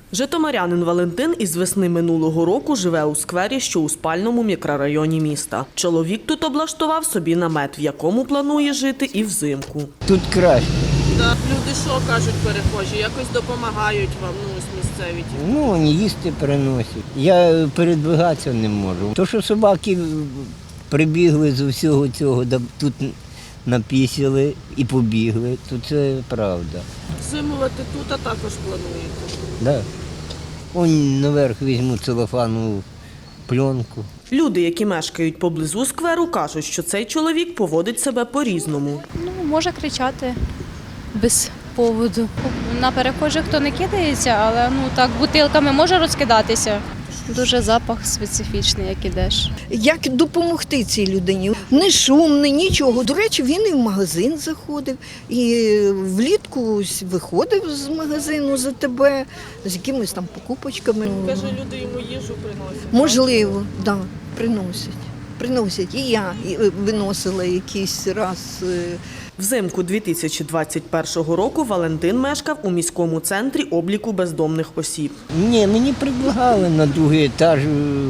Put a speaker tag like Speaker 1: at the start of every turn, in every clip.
Speaker 1: Житомирянин Валентин із весни минулого року живе у сквері, що у спальному мікрорайоні міста. Чоловік тут облаштував собі намет, в якому планує жити і взимку.
Speaker 2: Тут краще.
Speaker 1: Люди що кажуть перехожі? Якось допомагають вам, місцеві?
Speaker 2: Ну, їсти приносять. Я передвигатися не можу. То, що собаки прибігли з усього цього, тут напісили і побігли, то це правда.
Speaker 1: Зимувати тут, а також плануєте?
Speaker 2: Да. Он наверх візьму целофанову пленку.
Speaker 1: Люди, які мешкають поблизу скверу, кажуть, що цей чоловік поводить себе по-різному.
Speaker 3: Може кричати без поводу. На перехожих то не кидається, але так бутилками може розкидатися. Дуже запах специфічний, як ідеш.
Speaker 4: Як допомогти цій людині? Не шумний, нічого. До речі, він і в магазин заходив, і влітку виходив з магазину за тебе, з якимись там покупочками.
Speaker 1: Каже, люди йому їжу приносять.
Speaker 4: Можливо, так, приносять. Приносять. І я виносила якийсь раз.
Speaker 1: Взимку 2021 року Валентин мешкав у міському центрі обліку бездомних осіб.
Speaker 2: Ні, мені предлагали на другий етаж.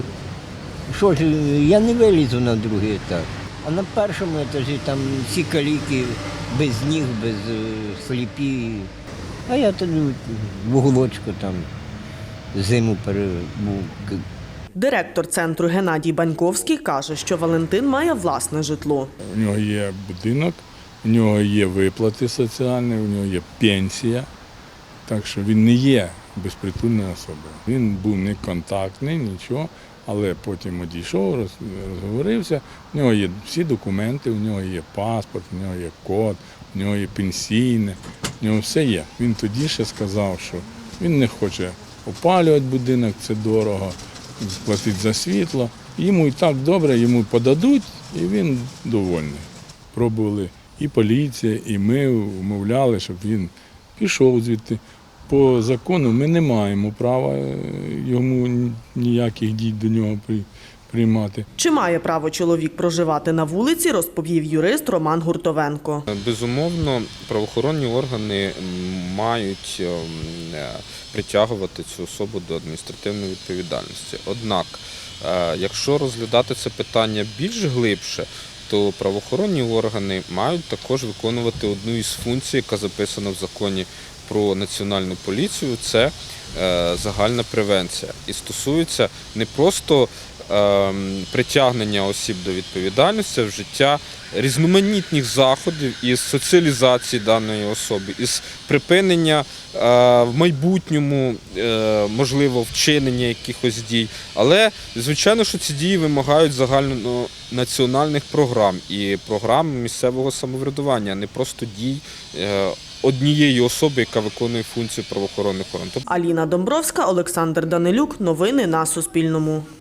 Speaker 2: Що ж, я не вилізу на другий етаж. А на першому етажі там всі каліки без ніг, без сліпі. А я тоді в уголочку там зиму перебув.
Speaker 1: Директор центру Геннадій Баньковський каже, що Валентин має власне житло.
Speaker 5: У нього є будинок, у нього є виплати соціальні, у нього є пенсія, так що він не є безпритульною особою. Він був не контактний, нічого, але потім одійшов, розговорився, у нього є всі документи, у нього є паспорт, у нього є код, у нього є пенсійне, у нього все є. Він тоді ще сказав, що він не хоче опалювати будинок, це дорого, платити за світло. Йому і так добре, йому подадуть, і він довольний. Пробували і поліція, і ми умовляли, щоб він пішов звідти. По закону ми не маємо права йому ніяких дій до нього приймати.
Speaker 1: Чи має право чоловік проживати на вулиці, розповів юрист Роман Гуртовенко.
Speaker 6: Безумовно, правоохоронні органи мають притягувати цю особу до адміністративної відповідальності. Однак, якщо розглядати це питання більш глибше, то правоохоронні органи мають також виконувати одну із функцій, яка записана в законі про національну поліцію, це загальна превенція. І стосується не просто притягнення осіб до відповідальності, а вжиття різноманітних заходів із соціалізації даної особи, із припинення в майбутньому, можливо, вчинення якихось дій. Але, звичайно, що ці дії вимагають загальнонаціональних програм і програм місцевого самоврядування, а не просто дій однієї особи, яка виконує функцію правоохоронних органів.
Speaker 1: Аліна Домбровська, Олександр Данилюк. Новини на Суспільному.